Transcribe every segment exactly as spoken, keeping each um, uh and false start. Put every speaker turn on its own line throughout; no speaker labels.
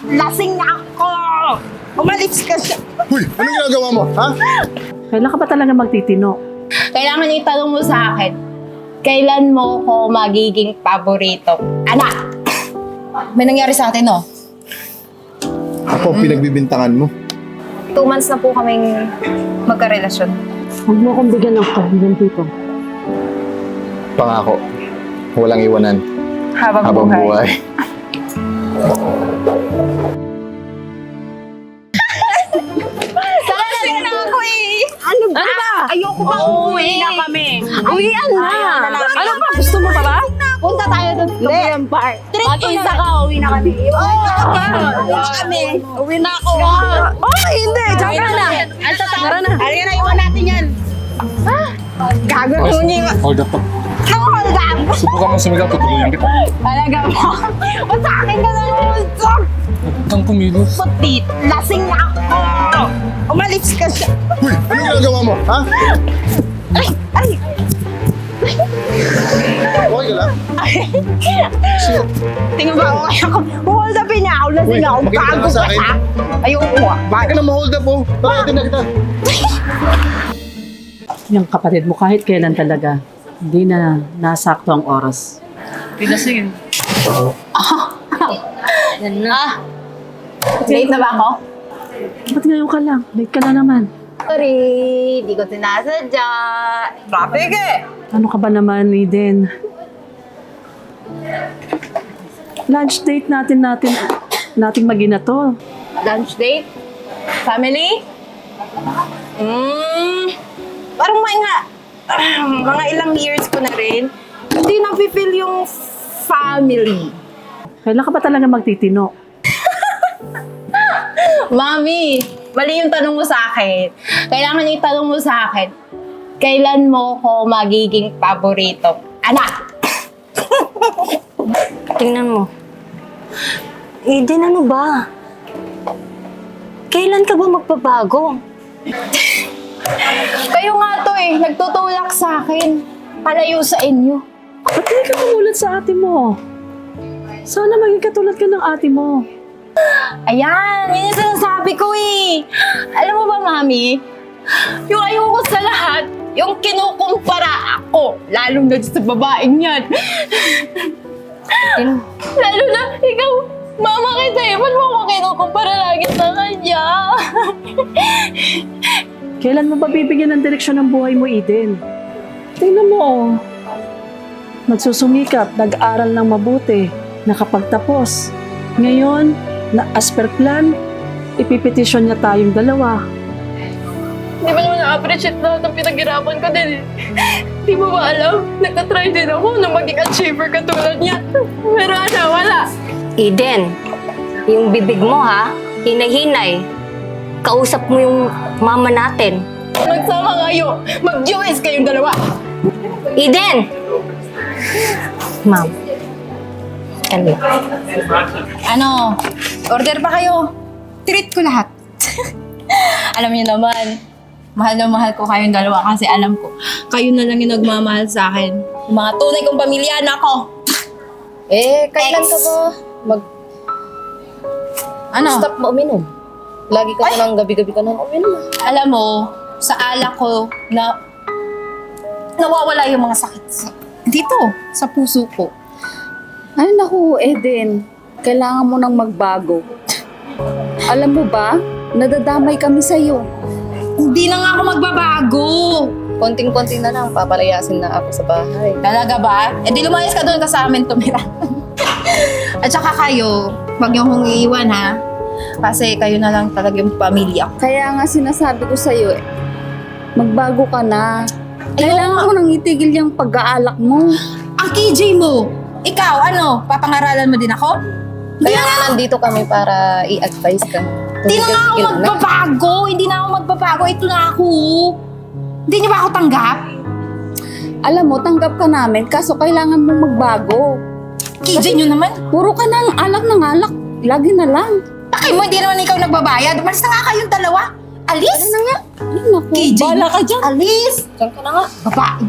Lasing ako! Umalis ka siya!
Uy, anong ginagawa mo, ha?
Kailan ka ba talaga magtitino?
Kailangan niyo itanong mo sa akin, kailan mo ko magiging paborito? Anak! May nangyari sa atin, no?
Ako, pinagbibintangan mo.
Two months na po kaming magkarelasyon.
Huwag mo akong bigyan ng kahilin dito.
Pangako, walang iwanan
Habang,
habang buhay.
Lasing na ako eh! Ano ba? Ano ba? Ayoko pa uuwi.
na kami.
Uwian na!
Ano ba? Gusto mo pa ba?
Punta tayo doon sa Korean bar.
Mag-isa ka, uwi na kami.
Oo, uwi na kami. Uwi na ako.
Oh, hindi. Diyan ka na. Tara na.
Halika na, iwan natin yan. Gago mo niya.
Hold up.
Ako, hold up.
Subukan mo sumigaw, tutulungan kita.
Talaga mo. O sa akin ka na usok.
Huwag kang kumilos.
Putit. Lasing na ako. Umalis ka siya.
Uy, anong ginagawa mo, ha?
Ay, ay.
Okay ka lang?
Tingnan ba ako kaya ko? Hold up niya ako. Lasing
Uy,
ako.
makikita
Gago
ka sa
ka
akin.
siya. Ayoko nga.
Bakit ka na ma-hold up, oh? Bakit na kita?
Yung kapatid mo kahit kailan talaga, hindi na nasakto ang oras.
Yan na. Ah. Late na ba ako?
Ba't ngayon ka lang? Late ka na naman.
Sorry, di ko sinasadya. Traffic eh.
Ano ka ba naman, Eden? Lunch date natin natin nating magina to.
Lunch date? Family? Hmm. Parang mga, mga ilang years ko na rin, hindi na-feel yung family.
Kailan ka ba talaga magtitino?
Mami, mali yung tanong mo sa akin. Kailangan yung tanong mo sa akin, kailan mo ko magiging paborito? Anak!
Tingnan mo. Eden, ano ba? Kailan ka ba magbabago?
Kayo nga to eh, nagtutulak sa akin. Palayo sa inyo.
Ba't hindi ka tumulad sa ate mo? Sana maging katulad ka ng ate mo.
Ayan, yun yung sinasabi ko eh. Alam mo ba, Mami? Yung ayoko sa lahat, yung kinukumpara ako, lalo na sa babaeng yan. Lalo na, ikaw, mama kita eh, ba't mo ako kinukumpara lagi sa kanya?
Kailan mo ba bibigyan ng direksyon ng buhay mo, Eden? Tingnan mo, oh. Nagsusumikap, nag-aral ng mabuti, nakapagtapos. Ngayon, na as per plan, ipipetisyon niya tayong dalawa.
Di ba naman na-appreciate lahat ng pinaghirapan ko din eh. Di mo ba alam? Nagtatry din ako na maging achiever katulad niya. Pero ano, wala.
Eden, yung bibig mo ha, hinay-hinay. Kausap mo yung mama natin.
Magsama kayo, mag-joys kayong dalawa.
Eden! Ma'am. Ano?
Ano, order pa kayo. Treat ko lahat. Alam niyo naman, mahal na mahal ko kayong dalawa kasi alam ko, kayo na lang yung nagmamahal sa akin. Yung mga tunay kong pamilya na ako.
Eh, kailan
Ex.
ka ba mag...
Ano?
Stop mo uminom? Lagi ka na ng gabi-gabi ka na uminom.
Alam mo, sa alak ko na nawawala yung mga sakit sa, dito, sa puso ko.
Ay naku, Eden. Kailangan mo nang magbago. Alam mo ba, nadadamay kami sa'yo.
Hindi na nga ako magbabago.
Konting-konting na lang, papalayasin na ako sa bahay.
Talaga ba? Eh di lumayas ka doon ka sa amin tumira. At saka kayo, huwag niyo kong iiwan ha. Kasi kayo na lang talaga yung pamilya ko.
Kaya nga sinasabi ko sa'yo, eh, magbago ka na. Kailangan mo nang itigil yung pag-aalak mo.
Ang K J mo, ikaw ano, papangaralan mo din ako?
Kaya nga nandito kami para i-advise ka.
Hindi na nga ako
Tumigil-tigil na.
magbabago. Hindi na ako magbabago. Ito na ako. Hindi niyo ba ako tanggap?
Alam mo, tanggap ka namin, kaso kailangan mo magbago.
K J nyo naman.
Puro ka ng alak ng alak. Lagi na lang.
Bakit mo, hindi naman ikaw nagbabayad. Umalis na nga kayong dalawa. Alis? Ano na nga?
Ay, naku.
K J,
Bala ka dyan.
alis.
Diyan ka na nga.
Babae.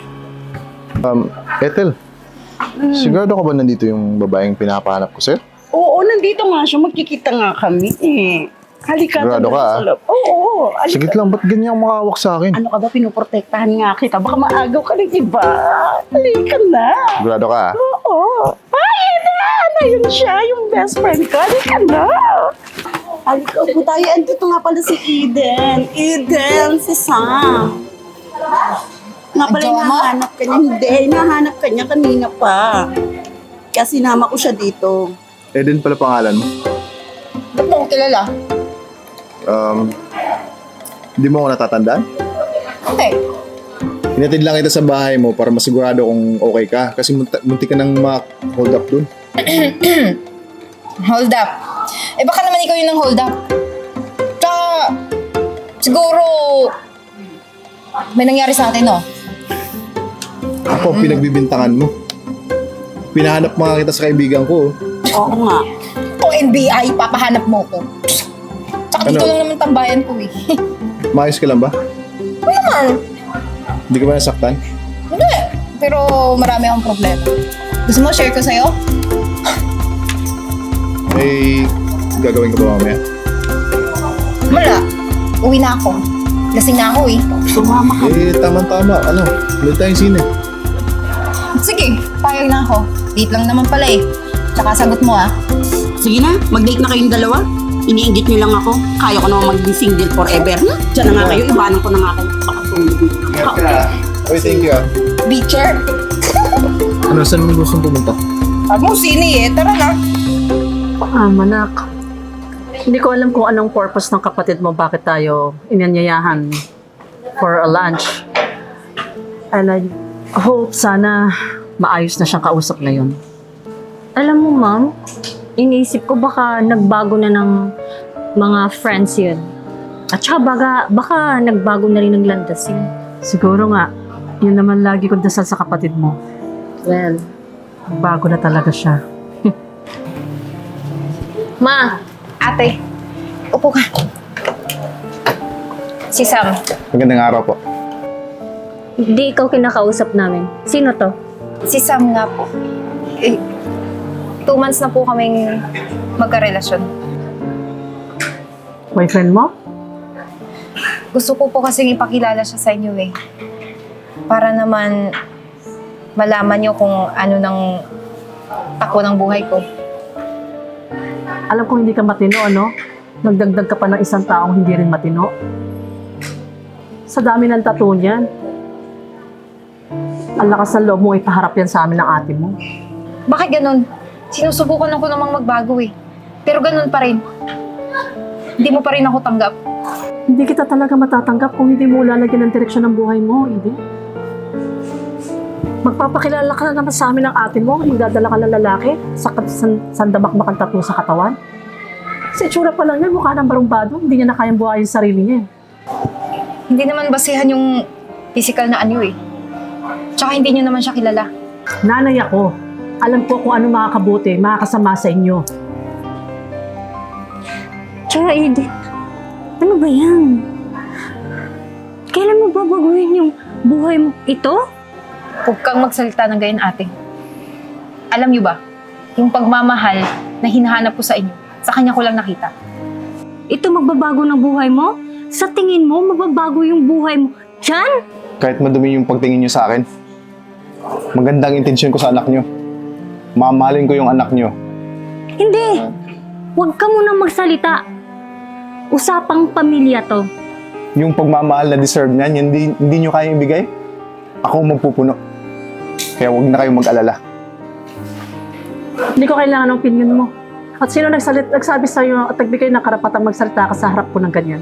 Um, Ethel, sigurado ka ba nandito yung babaeng pinapahanap ko, sir?
Oo, nandito nga siya. Magkikita nga kami eh. Halika.
Sigurado
tara
ka,
sa
ah?
loob. Oo, halika.
Sige lang, ba't ganyan ang makawak sa akin?
Ano ka ba, pinuprotektahan nga kita. Baka maagaw ka ng iba. Halika na.
Sigurado ka, ah?
Oo. Ay, Eden! Ayun siya, yung best friend ko. Halika na. Halika po tayo. Andito nga pala si Eden. Eden, si Sam. Nga pala,
Jowa mo?
hinahanap ka niya. Hindi, hinahanap ka niya kanina pa. Kaya sinama ko siya dito.
Eden pala pangalan mo.
Ba't mo ko kilala?
Um, hindi mo ako natatandaan?
Hindi.
Hinatid lang kita sa bahay mo para masigurado kung okay ka. Kasi munti, munti ka nang ma-hold up dun.
Hold up. Eh baka naman ikaw yun ang hold up. Tsaka, siguro, may nangyari sa atin, no?
Ako, pinagbibintangan mo. Pinahanap mga kita sa kaibigan ko. oh.
Oo nga.
Kung N B I, papahanap mo ko. Tsaka dito
Ano?
lang naman tambayan ko eh.
Maayos ka lang ba?
Ano naman?
Hindi ka ba nasaktan?
Hindi. Pero marami akong problema. Gusto mo share ko sa'yo?
Eh, gagawin ka ba mamaya?
Wala. Uwi na ako. Lasing na ako eh.
Sumama ka.
Eh, tama-tama. Ano? Ulit tayong sine.
Sige, payag na ako. Date lang naman pala eh. Tsaka sagot mo ah.
Sige na, mag-date na kayong dalawa. Iniinggit niyo lang ako. Kaya ko naman maging single forever. Diyan na nga kayo, iwanan ko na nga kayo. Pakatulog.
Ingat ka. Oy, thank you, ah.
Beacher.
Ano, saan mo gustong pumunta?
Sabi mo sini eh. Tara na.
Ah, manak. Hindi ko alam kung anong purpose ng kapatid mo bakit tayo inanyayahan for a lunch. And I hope sana maayos na siyang kausap ngayon.
Alam mo, ma'am, iniisip ko baka nagbago na ng mga friends yun. At saka baka, baka nagbago na rin ng landas yun.
Siguro nga, yun naman lagi kong dasal sa kapatid mo.
Well,
Bago na talaga siya.
ma,
Ate, upo ka. Si Sam.
Magandang araw po.
hindi ikaw kinakausap namin. Sino to?
Si Sam nga po. Eh, two months na po kaming magkarelasyon.
Boyfriend mo?
Gusto ko po kasing ipakilala siya sa inyo eh. Para naman malaman niyo kung ano ng takbo ng buhay ko.
Alam ko hindi ka matino, ano? Nagdagdag ka pa ng isang taong hindi rin matino. Sa dami ng tattoo niyan. Ang lakas ng loob mo ipaharap yan sa amin ng ate mo.
Bakit ganun? Sinusubukan lang ko namang magbago eh. Pero ganun pa rin. Hindi mo pa rin ako tanggap.
Hindi kita talaga matatanggap kung hindi mo lalagyan ng direksyon ng buhay mo, Eden. Magpapakilala ka na naman sa amin ng ate mo, magdadala ka ng lalaki, sa san, sandamakmak ang tattoo sa katawan. Sa itsura pa lang yan, mukha ng barumbado, hindi niya na kayang buhayin yung sarili niya.
Hindi naman basehan yung physical na anyo eh. Tsaka hindi niyo naman siya kilala.
Nanay ako, alam ko kung ano makakabuti, makakasama sa inyo.
Tsaka Eden, ano ba yan? Kailan mo babaguhin yung buhay mo? Ito?
Huwag kang magsalita ng ganyan, ate. Alam niyo ba, yung pagmamahal na hinahanap ko sa inyo, sa kanya ko lang nakita.
Ito magbabago ng buhay mo? Sa tingin mo, magbabago yung buhay mo? Diyan?
Kahit madumi yung pagtingin niyo sa akin, magandang intensyon ko sa anak niyo. Mamahalin ko yung anak niyo.
Hindi! Huwag ka munang magsalita. Usapang pamilya to.
Yung pagmamahal na deserve niyan, hindi, hindi niyo kaya ibigay, ako ang magpupuno. Kaya huwag na kayong mag-alala.
Hindi ko kailangan ng opinion mo. At sino nagsalit, nagsabi sa'yo at nagbigay ng karapatang magsalita ka sa harap ko ng ganyan?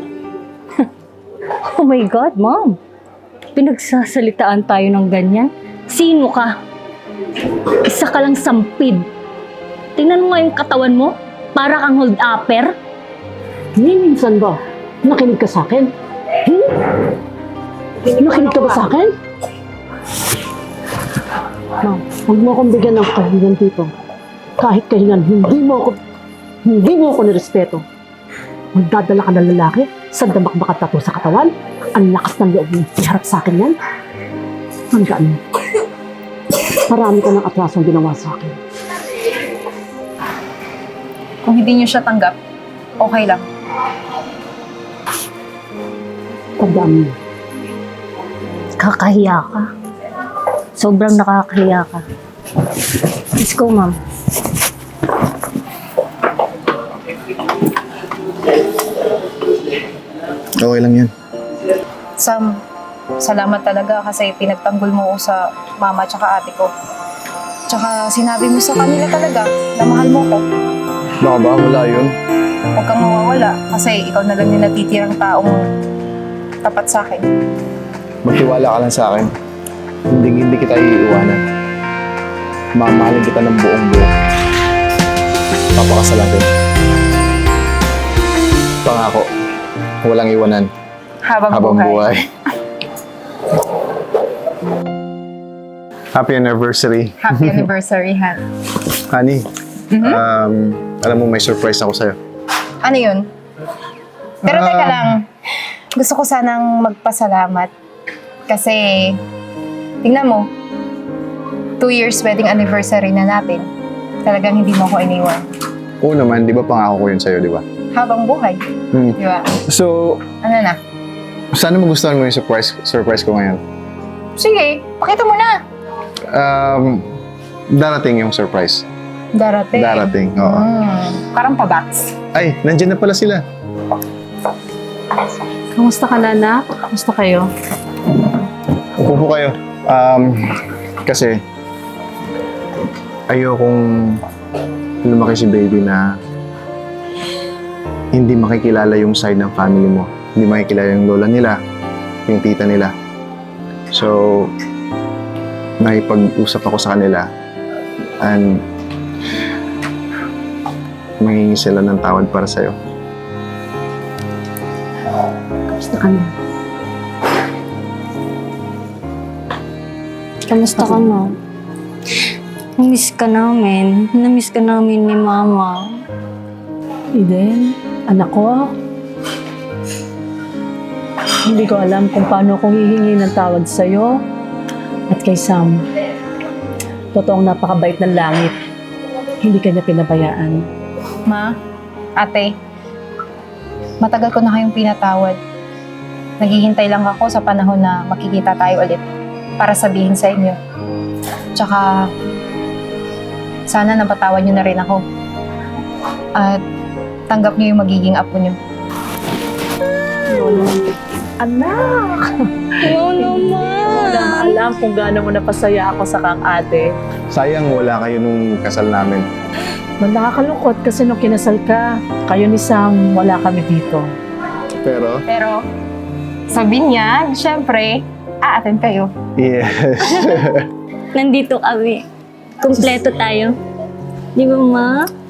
Oh my God, Mom. Pinagsasalitaan tayo ng ganyan. Sino ka? Isa ka lang sampid. Tingnan mo nga yung katawan mo. Para kang hold-upper.
Ni minsan ba, nakinig ka sa akin? Hmm? Nakinig ka ba sa akin? Ma'am, huwag mo akong bigyan ng kahingan dito. Kahit kahingan, hindi mo ako, hindi mo ako nirespeto. Magdadala ka ng lalaki, sandamakmak at tattoo sa katawan, ang lakas ng loob mo, iharap sa akin yan. Hanggaan mo. Marami ka ng atrasong ginawa sa akin.
Kung hindi niyo siya tanggap, okay lang.
Tandaan mo.
Kakahiya ka. Sobrang nakakahiya ka. Let's go, ma'am.
Okay lang yan.
Sam, salamat talaga kasi pinagtanggol mo ako sa mama at ate ko. Tsaka sinabi mo sa kanila talaga na mahal mo ko.
Baka ba wala yun?
Huwag kang mawawala kasi ikaw na lang yung natitirang taong tapat sa akin.
Magtiwala ka lang sa akin. Hindi hindi kita iiwanan. Mamahalin kita ng buong buo. Papakasalan ko. Pangako, walang iwanan
Habang,
habang
buhay.
buhay. Happy anniversary.
Happy anniversary, Han.
Honey, um, alam mo may surprise ako sa'yo.
Ano yun? Pero teka
Ah.
lang, gusto ko sanang magpasalamat. Kasi, tingnan mo, two years wedding anniversary na natin. Talagang hindi mo ako iniwan.
Oo naman, di ba pangako ko yun sa'yo, di ba?
Habang buhay,
Hmm.
di ba?
So,
Ano na?
sana magustuhan mo yung surprise, surprise ko ngayon.
Sige, pakita mo na.
Um, darating yung surprise.
Darating.
Darating, oo.
Hmm, parang pabats.
Ay, nandyan na pala sila.
Kamusta ka na, anak? Kamusta kayo?
Upo po kayo. Um, kasi, ayokong lumaki si baby na hindi makikilala yung side ng family mo. Hindi makikilala yung lola nila, yung tita nila. So, nakipag-usap ako sa kanila and mangingi sila ng tawad para sa'yo.
Kamusta ka na?
Kamusta ka na? Namiss ka namin. Namiss ka namin ni Mama.
Eden, anak ko. Hindi ko alam kung paano kong hihingi ng tawad sa'yo at kay Sam. Totoong napakabait ng langit. Hindi kanya pinabayaan.
Ma, ate, matagal ko na kayong pinatawad. Naghihintay lang ako sa panahon na makikita tayo ulit para sabihin sa inyo. Tsaka, sana napatawad niyo na rin ako. At tanggap niyo yung magiging apo niyo.
Anak!
Oo
Wala
naman.
alam kung gaano mo napasaya ako sa kang ate.
Sayang wala kayo nung kasal namin.
Man, nakakalungkot kasi nung kinasal ka, kayo ni Sam, wala kami dito.
Pero,
Pero, sabi niya, syempre, aaten kayo.
yes.
Nandito kami. Kompleto tayo. Di ba, Ma?